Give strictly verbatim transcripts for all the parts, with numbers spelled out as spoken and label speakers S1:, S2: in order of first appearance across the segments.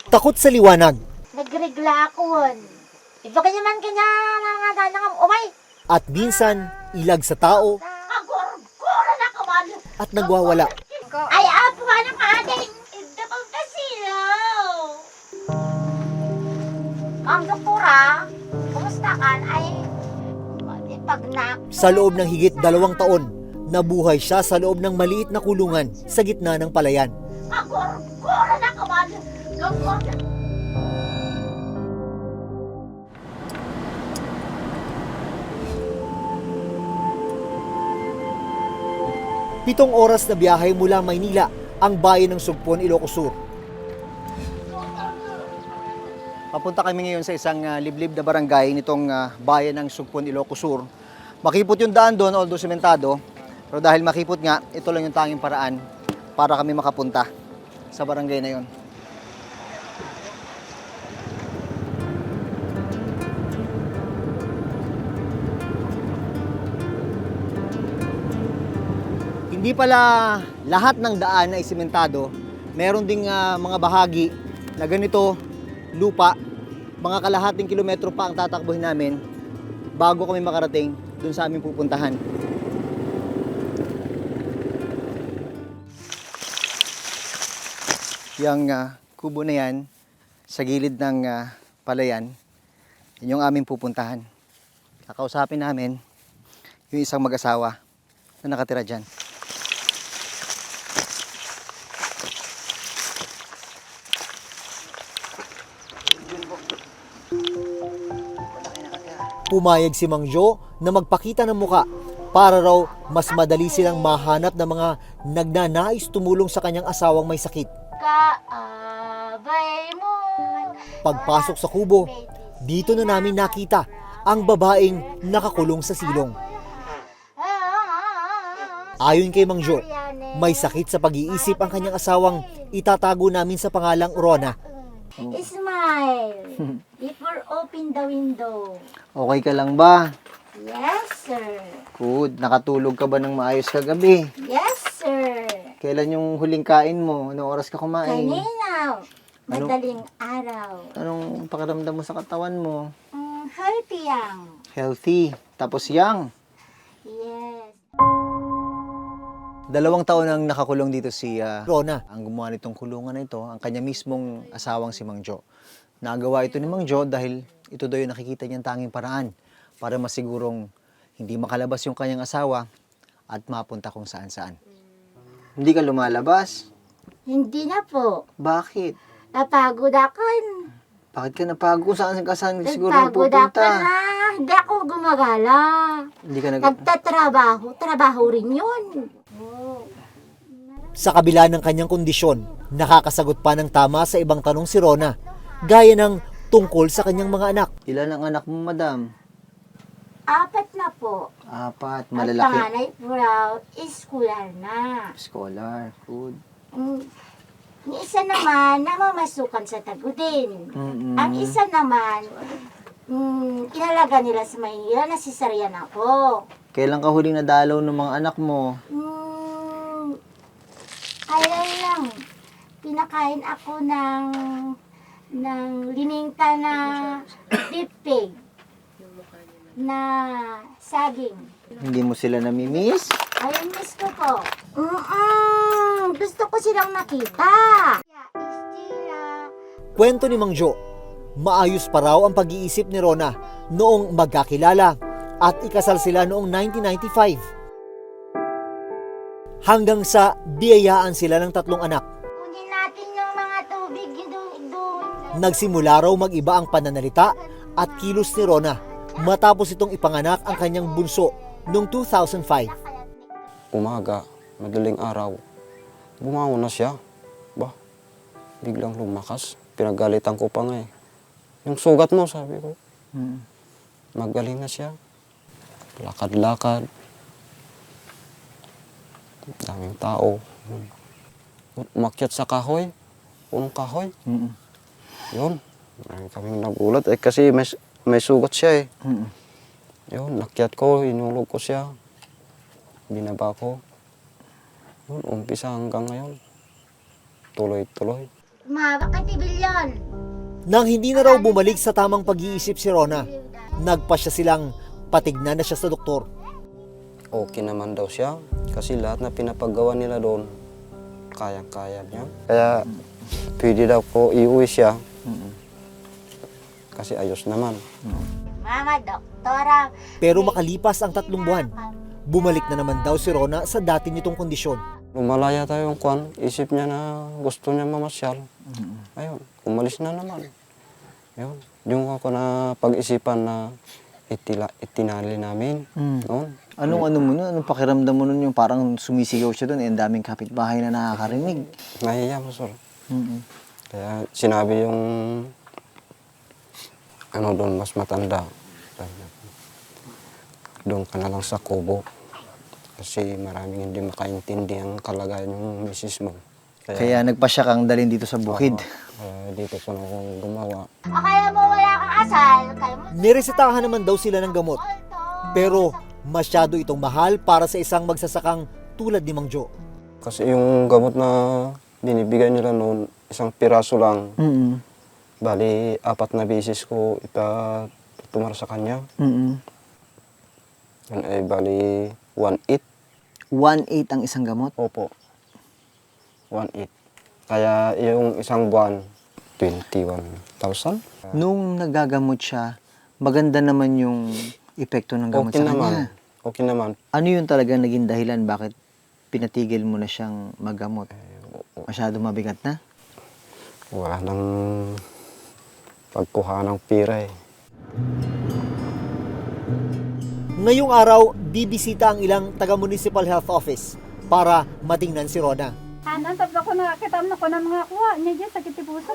S1: Takot sa liwanag
S2: Nagregla ako. Ito kanya man kanya nga nga umay.
S1: at minsan ilag sa tao
S2: Agor-gora na kaman.
S1: at nagwawala.
S2: Ay, apo ka ng ating. Ito pang kasilaw. Ang doktora, kumusta ka? Ay, pag na...
S1: Sa loob ng higit dalawang taon, nabuhay siya sa loob ng maliit na kulungan sa gitna ng palayan.
S2: Agor-gora na kaman. Gagor na.
S1: Pitong oras na biyahe mula Maynila ang bayan ng Sugpon, Ilocos Sur. Papunta kami ngayon sa isang uh, liblib na barangay nitong uh, bayan ng Sugpon, Ilocos Sur. Makipot yung daan doon, although sementado. Pero dahil makipot nga, ito lang yung tanging paraan para kami makapunta sa barangay na yon. Hindi pala lahat ng daan ay sementado. Meron ding uh, mga bahagi na ganito, lupa, mga kalahating kilometro pa ang tatakbuhin namin bago kami makarating dun sa aming pupuntahan. Yang uh, kubo na yan, sa gilid ng uh, palayan, yun yung aming pupuntahan. Kakausapin namin yung isang mag-asawa na nakatira dyan. Pumayag si Mang Jo na magpakita ng muka para raw mas madali silang mahanap ng mga nagnanais tumulong sa kanyang asawang may sakit.
S2: Kaabay mo.
S1: Pagpasok sa kubo, dito na namin nakita ang babaeng nakakulong sa silong. Ayon kay Mang Jo, may sakit sa pag-iisip ang kanyang asawang itatago namin sa pangalang Rona.
S2: Smile. Before open the window.
S1: Okay ka lang ba?
S2: Yes, sir.
S1: Good. Nakatulog ka ba ng maayos kagabi?
S2: Yes, sir.
S1: Kailan yung huling kain mo? Anong oras ka kumain?
S2: Kanina. Madaling araw.
S1: Anong pakiramdam mo sa katawan mo?
S2: Mm, healthy yang.
S1: Healthy. Tapos young.
S2: Yes.
S1: Dalawang taon nang nakakulong dito si uh, Rona. Ang gumawa nitong kulungan na ito, ang kanya mismong asawang si Mang Jo. Nagawa ito ni Mang Jo dahil ito daw yung nakikita niyang tanging paraan para masigurong hindi makalabas yung kanyang asawa at mapunta kung saan-saan. Hindi ka lumalabas?
S2: Hindi na po.
S1: Bakit?
S2: Napagod ako.
S1: Bakit ka napagod? Saan ka saan siguro
S2: Napagod ako
S1: pupunta?
S2: na. Hindi ako gumagala.
S1: Hindi ka nag...
S2: Nagtatrabaho. Trabaho rin yun.
S1: Sa kabila ng kanyang kondisyon, nakakasagot pa ng tama sa ibang tanong si Rona, gaya ng tungkol sa kanyang mga anak. Ilan ang anak mo, madam?
S2: Apat na po.
S1: Apat,
S2: At
S1: malalaki.
S2: panganay po raw, scholar na.
S1: Scholar, good.
S2: Mm, Yung isa naman, namamasukan sa Tagudin.
S1: Mm-mm.
S2: Ang isa naman, mm, inalaga nila sa Maynila, nasisaryan ako.
S1: Kailan ka huling nadalaw ng mga anak mo?
S2: Mm, kailan lang, pinakain ako ng, ng lininta na beef pig na saging.
S1: Hindi mo sila namimiss?
S2: Ayun, miss ko po. Mm-mm, gusto ko silang nakita.
S1: Kwento ni Mang Jo, maayos pa raw ang pag-iisip ni Rona noong magkakilala at ikasal sila noong nineteen ninety-five. Hanggang sa biyayaan sila ng tatlong anak.
S2: Kunin natin yung mga tubig doon.
S1: Nagsimula raw mag-iba ang pananalita at kilos ni Rona matapos itong ipanganak ang kanyang bunso noong two thousand five.
S3: Umaga, madaling araw, bumangon na siya. Ba, biglang lumakas. Pinagalitan ko pa nga eh. Yung sugat mo, sabi ko.
S1: Hmm.
S3: Magaling na siya. Lakad-lakad. Daming tao. Umakyat sa kahoy. Punong kahoy.
S1: Mm-mm.
S3: Yun. Marami kaming nagulat eh kasi may, may sugat siya eh.
S1: Mm-mm.
S3: Yun, nakyat ko, inulog ko siya. Binaba ko. Yun, umpisa hanggang ngayon. Tuloy-tuloy.
S2: Ma, bakit ibilyon?
S4: Nang hindi na raw bumalik sa tamang pag-iisip si Rona, nagpa siya silang patignan na siya sa doktor.
S3: Okay naman daw siya kasi lahat na pinapagawa nila doon, kayang-kaya niya. Kaya pwede daw po iuwi siya kasi ayos naman.
S2: Mama, doktora.
S4: Pero makalipas ang tatlong buwan, bumalik na naman daw si Rona sa dati nitong kondisyon.
S3: Lumalaya tayo yung kwan, isip niya na gusto niya mamasyal. Ayun, umalis na naman. Ayun, yung ako na pag-isipan na itila, itinali namin
S1: Mm.
S3: noon.
S1: Anong ano mo nun? Anong pakiramdam mo nun yung parang sumisigaw siya doon, eh, ang daming kapitbahay na nakakarinig.
S3: Nahiya mo, sir.
S1: Mm-mm.
S3: Kaya sinabi yung ano doon, mas matanda. Sabi niya, doon ka na lang sa kubo. Kasi maraming hindi makaintindi ang kalagayan yung misis mo.
S1: Kaya nagpa siya kang dalhin dito sa bukid.
S3: Kaya dito ko na akong gumawa.
S2: O kaya mo wala kang asal. Kaya mo...
S4: Niresetahan naman daw sila ng gamot. Pero masyado itong mahal para sa isang magsasakang tulad ni Mang Jo.
S3: Kasi yung gamot na binibigay nila noon, isang piraso lang.
S1: Mm-mm.
S3: Bali, apat na beses ko ipatumar sa kanya.
S1: Mm-mm.
S3: Yan ay bali, one-eight.
S1: one-eighth ang isang gamot.
S3: Opo. one-eight. Kaya yung isang buwan, twenty-one thousand.
S1: Nung nagagamot siya, maganda naman yung epekto ng gamot
S3: Okay
S1: sa
S3: naman.
S1: kanya.
S3: Okay naman.
S1: Ano yung talaga naging dahilan bakit pinatigil mo na siyang maggamot? Masyado mabigat na?
S3: Wala nang pagkuha ng pira eh.
S4: Ngayong araw, bibisita ang ilang taga-municipal health office para matingnan si Rona.
S5: Ano, sabi ko nakakita mo ko ng mga kuha niya dyan sa Kitipusom.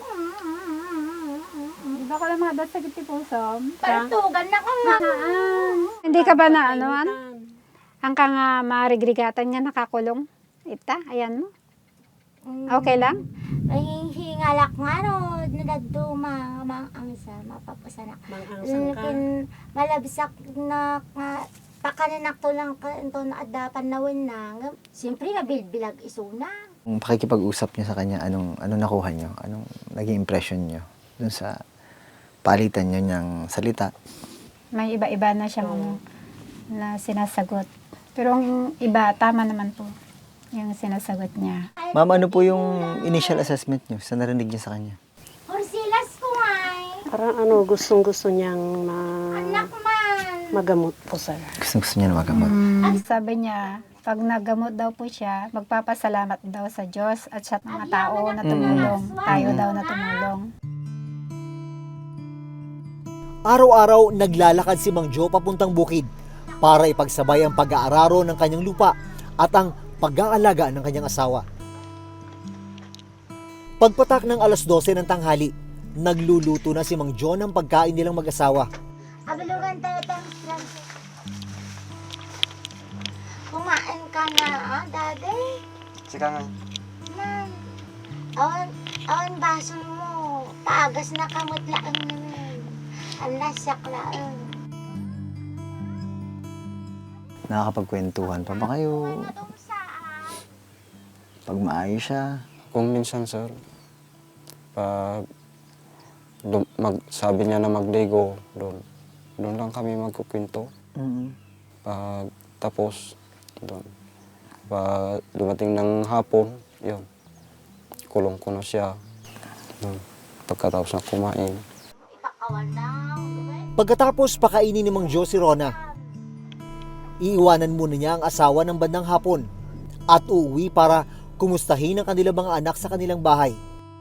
S5: Di ba ko lang mga dot sa Kitipusom?
S2: Partugan na ko nga.
S5: Hindi ka ba na ano? An? Ang ka nga marigrigatan niya nakakulong. Ita, ayan mo. Okay lang?
S2: Ay, hingalak nga ro. Nadaduma. Mang ang isa. Mapapasanak. Lakin malabsak na nga. Pakananak to lang ka. Ito na adapan na win na. Siyempre nga bilbilag isuna.
S1: Kung pakikipag-usap niyo sa kanya, anong, anong nakuha niyo? Anong naging impression niyo dun sa palitan niyo niyang salita?
S5: May iba-iba na siyang na sinasagot. Pero ang iba, tama naman po yung sinasagot niya.
S1: Ma'am, ano po yung initial assessment niyo sa narinig niyo sa kanya?
S2: Horsilas ko nga eh.
S6: Parang ano, gustong-gusto niyang ma
S2: Anak man.
S6: magamot po, sir.
S1: Gusto, gusto niya na magamot.
S5: Sabi niya, pag naggamot daw po siya, magpapasalamat daw sa Diyos at sa mga tao na tumulong. Tayo daw na tumulong.
S4: Araw-araw naglalakad si Mang Jo papuntang bukid para ipagsabay ang pag-aararo ng kanyang lupa at ang pag-aalaga ng kanyang asawa. Pagpatak ng alas dose ng tanghali, nagluluto na si Mang Jo ng pagkain nilang mag-asawa.
S2: Abalugan tayo tayong Francis. Kumain ka na, ah, daddy?
S3: Sika nga.
S2: Nan. Awan, awan baso mo. Paagas na kamot laang naman. Ang lasak laang.
S1: Nakakapagkwentuhan pa ba kayo?
S2: Matong saan?
S1: Pag maayos siya?
S3: Kung minsan, sir, pag dum- mag, sabi niya na magligo, doon, doon lang kami magkukwento.
S1: Mm-mm.
S3: Pag tapos, doon. Pag dumating ng hapon, yun, kulong ko na siya. Doon. Pagkatapos na kumain.
S2: Ipakawan lang, diba?
S4: Pagkatapos pakainin ni Mang Jo si Rona, iiwanan muna niya ang asawa ng bandang hapon at uuwi para kumustahin ang kanilang mga anak sa kanilang bahay.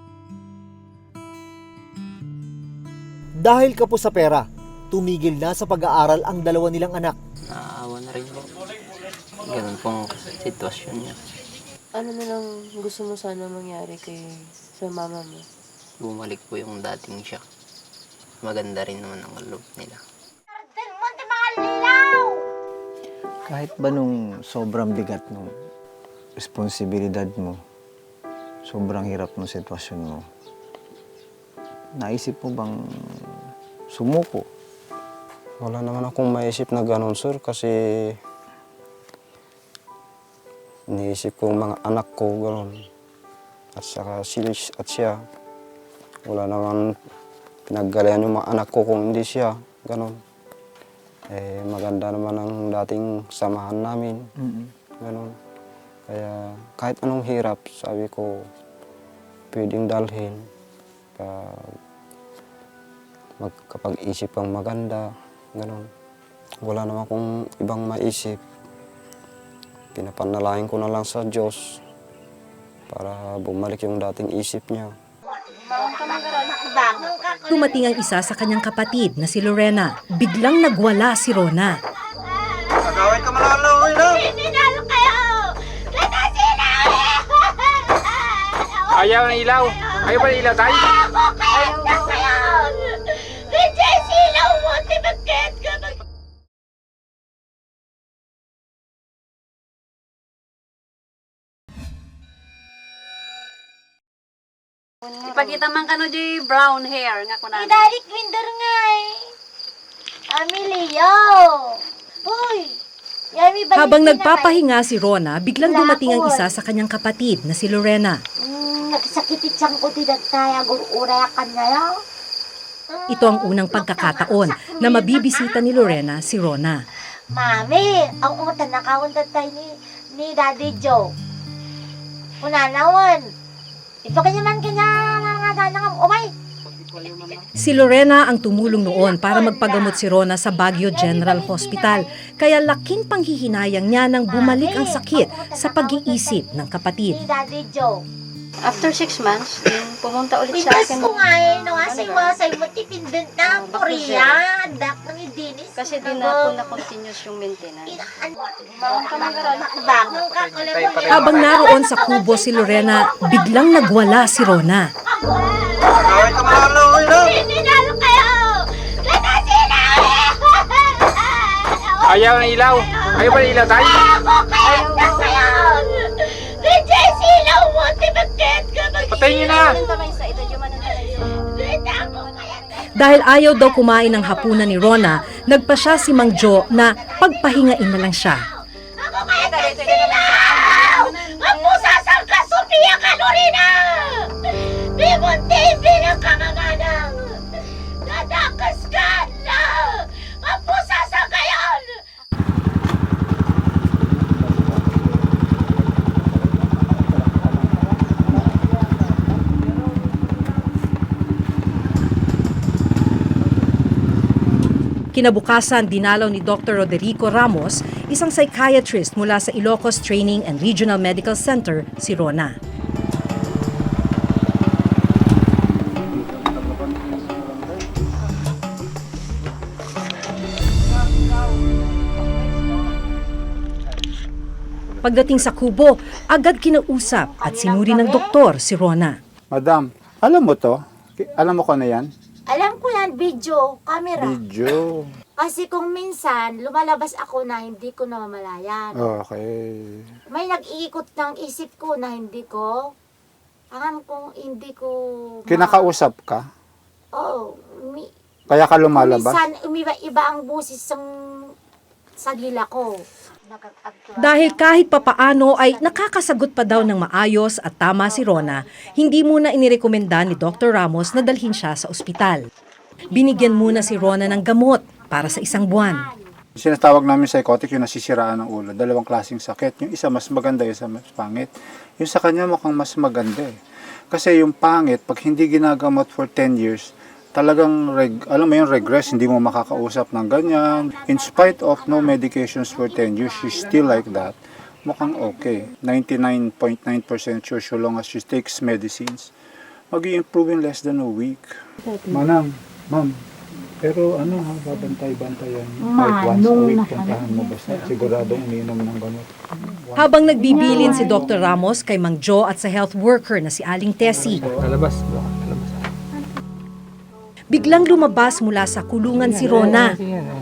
S4: Dahil kapos sa pera, tumigil na sa pag-aaral ang dalawa nilang anak.
S7: Naawa na rin po. Ganun pong sitwasyon niya.
S8: Ano na lang gusto mo sana mangyari kay sa mama mo?
S7: Bumalik po yung dating siya. Maganda rin naman ang loob nila.
S2: Arden mo, di mga lilaw!
S1: Kahit ba nung sobrang bigat nung responsibilidad mo, sobrang hirap ng sitwasyon mo, naisip mo bang sumuko?
S3: Wala naman akong maisip na ganun, sir, kasi iniisip ko mga anak ko, gano'n. At saka si at siya, wala naman pinaggalayan yung mga anak ko kung hindi siya. Ganon. Eh, maganda naman ang dating samahan namin. Ganon. Kaya kahit anong hirap, sabi ko, pwedeng dalhin. Pag magkapag-isip kang maganda, ganon. Wala naman akong ibang maisip. Pinapanalangin ko na lang sa Diyos para bumalik yung dating isip niya.
S9: Dumating ang isa sa kanyang kapatid na si Lorena. Biglang nagwala si Rona.
S3: Agawin ka malaloy na!
S2: Sinalo kayo! Sinalo!
S10: Ayaw ng ilaw. Ayaw ba ng ilaw tayo?
S2: Ako kayo na kayo! Bigay silaw mo! Tibagket ka!
S11: Ipakita man kano di brown hair nga kunan.
S2: Idarik winder nga eh! Amilio! Uy! Yami, balik
S9: Habang
S2: ka na
S9: nagpapahinga si Rona, biglang dumating ang isa sa kanyang kapatid na si Lorena.
S2: Hmm, nagsakit siyang ko tidak tayo urayakan ngayon.
S9: Ito ang unang pagkakataon na mabibisita ni Lorena si Rona.
S2: Mami, ang utan nakawon tayo ni, ni Daddy Joe. Unanawan. Ito kanya man kanya nga nga nga umay.
S9: Si Lorena ang tumulong noon para magpagamot si Rona sa Baguio General Hospital. Kaya laking panghihinayang niya nang bumalik ang sakit sa pag-iisip ng kapatid.
S2: Ni Daddy Joe.
S11: After six months, din pumunta ulit sa
S2: Pintas
S11: akin.
S2: ko nga eh, no, asay wasay mo tipindin na Korea. Dak na ni Dennis.
S11: Kasi di na po na continuous yung maintenance.
S2: Bangon ka kulit.
S9: Habang naroon sa kubo si Lorena, biglang nagwala si Rona.
S3: Agawin ka malaloy na!
S2: Sinalo kayo! Sinalo!
S10: Ayaw ng ilaw. Ayaw ba ng ilaw tayo?
S2: Ako kayo na kayo! Bigay silaw mo! Tibagket ka!
S10: Patayin niyo na!
S11: Sa ito yung
S9: Dahil ayaw daw kumain ng hapunan ni Rona, nagpa siya si Mang Jo na pagpahingain na lang siya.
S2: Ako kaya na silaw! Ang pusasang ka, Sofia Calorina! Di mo tibi ng kanganganang! Nadakas ka na! Ang pusasang kayon!
S9: Kinabukasan, dinalaw ni Doctor Roderico Ramos, isang psychiatrist mula sa Ilocos Training and Regional Medical Center, si Rona. Pagdating sa kubo, agad kinausap at sinuri ng doktor si Rona.
S10: Madam, alam mo to? Alam mo ko na yan?
S2: Alam ko yan, video, camera.
S10: Video.
S2: Kasi kung minsan, lumalabas ako na hindi ko namamalayan.
S10: Okay.
S2: May nag-iikot ng isip ko na hindi ko, alam kong hindi ko... ma-
S10: Kinakausap ka?
S2: Oo. umi-
S10: Kaya ka lumalabas?
S2: Minsan, umiba-iba ang busis ng sa dila ko.
S9: Dahil kahit papaano ay nakakasagot pa daw ng maayos at tama si Rona, hindi muna inirekomenda ni Doctor Ramos na dalhin siya sa ospital. Binigyan muna si Rona ng gamot para sa isang buwan.
S10: Sinatawag namin psychotic yung nasisiraan ng ulo. Dalawang klaseng sakit. Yung isa mas maganda, yung isa mas pangit. Yung sa kanya mukhang mas maganda eh. Kasi yung pangit, pag hindi ginagamot for ten years, talagang, reg, alam mo yung regress, hindi mo makakausap ng ganyan. In spite of no medications for ten years, she's still like that. Mukhang okay. ninety-nine point nine percent sure so long as she takes medicines. Mag-i-improve in less than a week. Manang, ma'am, pero ano ha, babantay-bantayan. Like once a week, puntahan mo basta. Siguradong umiinom ng gamot.
S9: Habang nagbibilin si Doctor Ramos kay Mang Jo at sa health worker na si Aling Tessie,
S10: Lalabas, lalabas.
S9: biglang lumabas mula sa kulungan si Rona.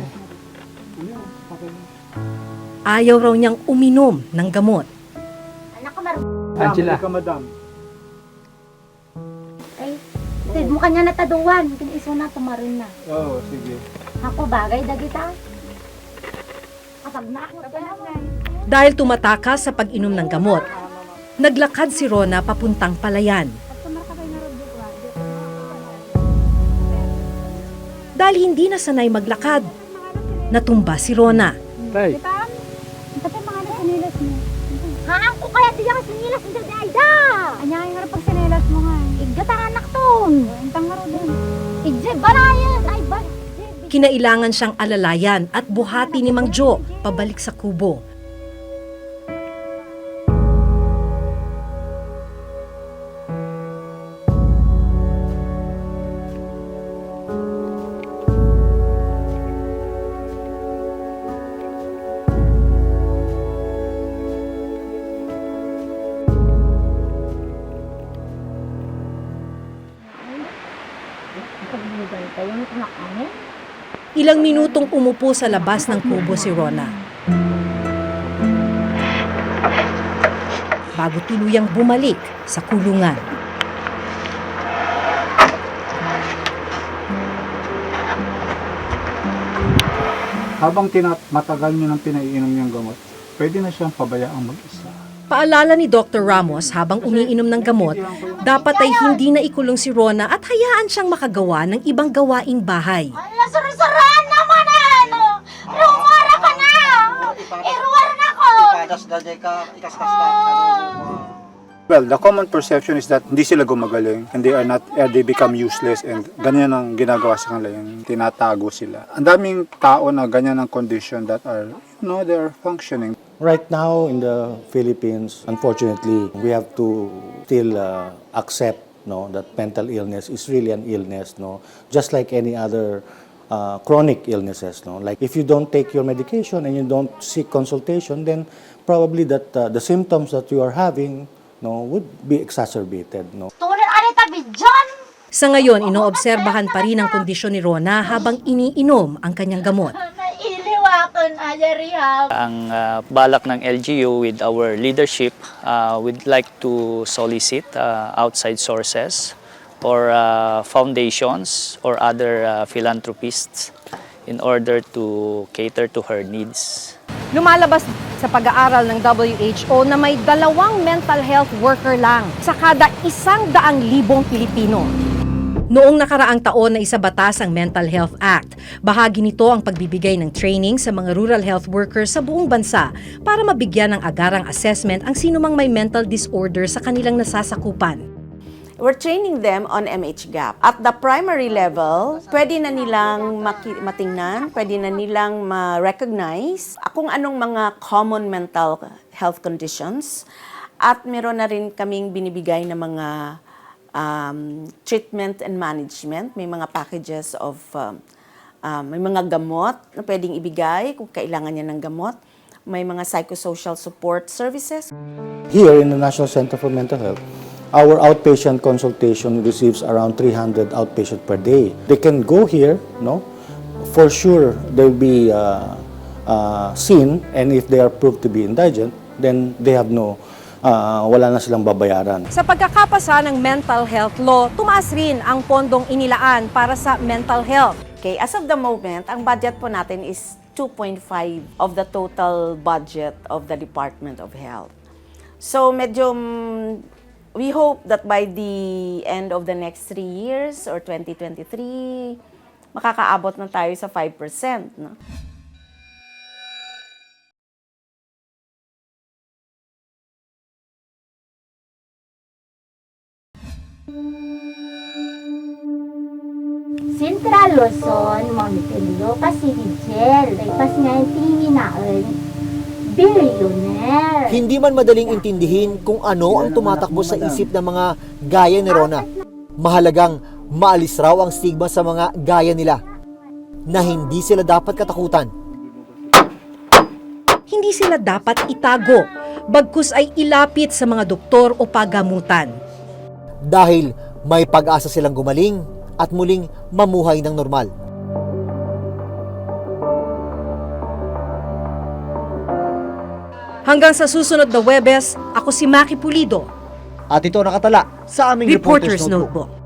S9: Ayaw raw niyang uminom ng gamot.
S2: Anak ko marunong.
S10: Angela. Ka, madam.
S2: Ay, tid mo kanya nataduan. Kiniso na, tumarin na.
S10: Oo, oh, sige.
S2: Ako bagay, dagita. Kapag nakot ka na.
S9: Dahil tumatakas sa pag-inom ng gamot, Naglakad si Rona papuntang palayan. Dahil hindi na sanay maglakad, natumba si Rona.
S5: Di ba? Ba't yung mga sinilas mo?
S2: Haan ko kaya di ka sinilas ng dada.
S5: Anya yung harap pag sinilas mo nga.
S2: Igata anak ton.
S5: Intang nga rin.
S2: Igje barayan. Ay ba?
S9: Kinailangan siyang alalayan at buhati ni Mang Jo pabalik sa kubo. Ilang minutong umupo sa labas ng kubo si Rona. Bago tuluyang bumalik sa kulungan.
S10: Habang tinat matagal nyo nang pinaiinom yung gamot, pwede na siyang pabayaang mag-isa.
S9: Paalala ni Doctor Ramos habang umiinom ng gamot, dapat ay hindi na ikulong si Rona at hayaan siyang makagawa ng ibang gawaing bahay.
S2: Ala, sarang-saraan naman ano. Rumara ka na. Iruwar na ko.
S10: Well, the common perception is that hindi sila gumagaling and they are not, uh, they become useless and ganyan ang ginagawa sa kanila, yung tinatago sila. Ang daming tao na ganyan ang condition that are, you know, they are functioning.
S12: Right now in the Philippines, unfortunately, we have to still uh, accept no, that mental illness is really an illness, no, just like any other uh, chronic illnesses. No, like if you don't take your medication and you don't seek consultation, then probably that uh, the symptoms that you are having, no, would be exacerbated. No.
S2: Tulad ani tabi John.
S9: Sa ngayon, inoobserbahan pa rin ang kondisyon ni Rona habang iniinom ang kanyang gamot.
S2: Iliwakon ayariha.
S13: Ang uh, balak ng L G U with our leadership, uh, we'd like to solicit uh, outside sources or uh, foundations or other uh, philanthropists in order to cater to her needs.
S9: Lumalabas sa pag-aaral ng W H O na may dalawang mental health worker lang sa kada isang daang libong Pilipino. Noong nakaraang taon na isabatas ang Mental Health Act, bahagi nito ang pagbibigay ng training sa mga rural health workers sa buong bansa para mabigyan ng agarang assessment ang sinumang may mental disorder sa kanilang nasasakupan.
S14: We're training them on M H GAP. At the primary level, pwede na nilang maki- matingnan, pwede na nilang ma-recognize kung anong mga common mental health conditions. At meron na rin kaming binibigay na mga um, treatment and management. May mga packages of, um, um, may mga gamot na pwedeng ibigay kung kailangan niya ng gamot. May mga psychosocial support services.
S12: Here in the National Center for Mental Health, our outpatient consultation receives around three hundred outpatient per day. They can go here, no? For sure, they'll be uh, uh, seen, and if they are proved to be indigent, then they have no, uh, wala na silang babayaran.
S9: Sa pagkakapasa ng mental health law, tumaas rin ang pondong inilaan para sa mental health.
S14: Okay, as of the moment, ang budget po natin is two point five of the total budget of the Department of Health. So medyo mm, we hope that by the end of the next three years or twenty twenty-three, makakaabot na tayo sa five percent. No?
S2: Central Luzon, Montpellier, Pasigigel, ay pas nga yung tingin naon, billionaire.
S4: Hindi man madaling intindihin kung ano ang tumatakbo sa isip ng mga gaya ni Rona. Mahalagang maalis raw ang stigma sa mga gaya nila na hindi sila dapat katakutan.
S9: Hindi sila dapat itago, bagkus ay ilapit sa mga doktor o pagamutan.
S4: Dahil may pag-asa silang gumaling at muling mamuhay ng normal.
S9: Hanggang sa susunod na Huwebes, ako si Maki Pulido.
S4: At ito nakatala sa aming
S9: Reporter's
S4: Reporter's Notebook.
S9: Notebook.